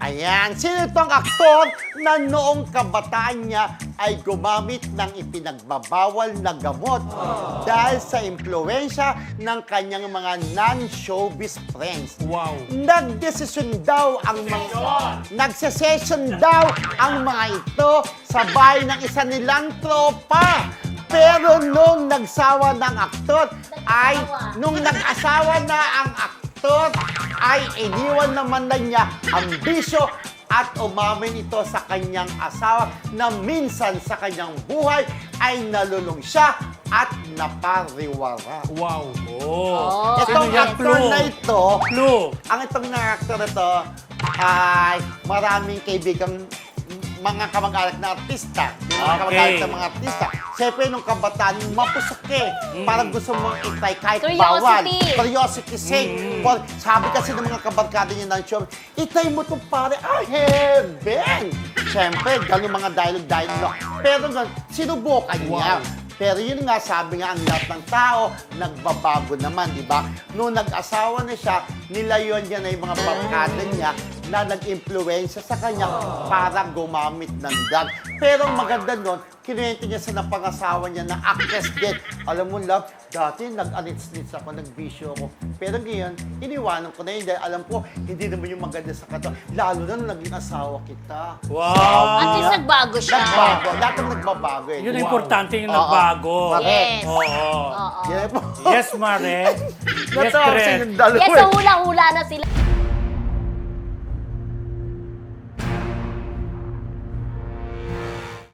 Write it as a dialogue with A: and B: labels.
A: Ayan, sino itong aktor na noong kabataan niya ay gumamit ng ipinagbabawal na gamot dahil sa impluensya ng kanyang mga non-showbiz friends.
B: Wow.
A: Nagsesession daw ang mga ito sa bahay ng isa nilang tropa. Pero nung nagsawa ng aktor ay, nung nag-asawa na ang aktor, ay iniwan naman na niya ang bisyo at umamin ito sa kanyang asawa na minsan sa kanyang buhay ay nalulung siya at napariwara.
B: Wow.
C: Oh.
A: Itong
B: Sino yan?
A: actor
B: Clue.
A: na ito,
B: Clue.
A: ang itong actor na ito ay maraming kaibigang mga kamag-anak na artista. Yung mga
B: Okay.
A: kamag-anak ng mga artista. Siyempre, nung kabataan, mapusok eh. Parang gusto mong itay kahit
C: Curiosity.
A: bawal. Curiosity sake. Sabi kasi ng mga kabarkada niya ng show, itay mo itong pare, heaven! Siyempre, ganun mga dialogue. Pero sinubukan niya. Pero yun nga, sabi nga, ang lahat ng tao, nagbabago naman, di ba? Noong nag-asawa na siya, nilayon niya na yung mga barkada niya na nag-impluensya sa kanya para gumamit ng drug. Pero ang maganda nun, kinuwento niya sa napangasawa niya na actress din. Alam mo, love, dati nag-anits-nits ako, nag-bisyo ako. Pero ngayon, iniwanan ko na yun dahil alam ko, hindi naman yung maganda sa katawan. Lalo na nung naging asawa kita.
B: Wow.
C: At least nagbago siya.
A: Nagbago. Lahat ng nagbabago eh.
B: Yun ang
A: Wow.
B: importante yung
A: Oo.
B: nagbago.
C: Yes.
B: Oo.
C: Oo.
A: Yan po.
B: Yes, Mare. Yes,
A: Natawa kasi
B: Dre.
A: yung dalawa
C: Yes,
A: eh.
C: so hula-hula na sila.